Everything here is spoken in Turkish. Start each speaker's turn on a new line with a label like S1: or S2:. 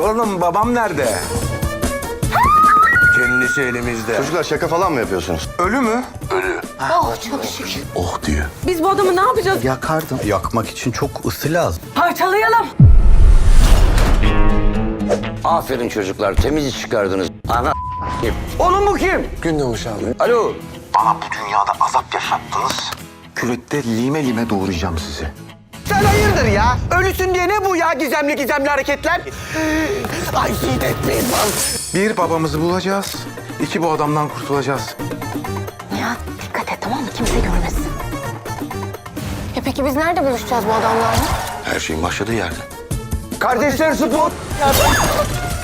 S1: Oğlum babam nerede? Kendisi elimizde.
S2: Çocuklar şaka falan mı yapıyorsunuz?
S1: Ölü mü?
S3: Oh çok şükür.
S2: Oh diyor.
S3: Biz bu adamı ne yapacağız?
S4: Yakardım. Yakmak için çok ısı lazım.
S3: Parçalayalım.
S5: Aferin çocuklar, temiz iş çıkardınız. Ana
S1: Oğlum bu kim?
S2: Gündoğmuş abi.
S5: alo.
S2: Bana bu dünyada azap yaşattınız. Kürekte lime lime doğuracağım sizi.
S1: Sen hayırdır ya? Ölüsün diye ne bu ya gizemli hareketler? Ay etmeyin lan. Bir babamızı bulacağız. İki bu adamdan kurtulacağız.
S3: Nihat dikkat et tamam mı? Kimse görmesin. Ya peki biz nerede buluşacağız bu adamlarla?
S2: Her şeyin başladığı yerde.
S1: Kardeşler spor.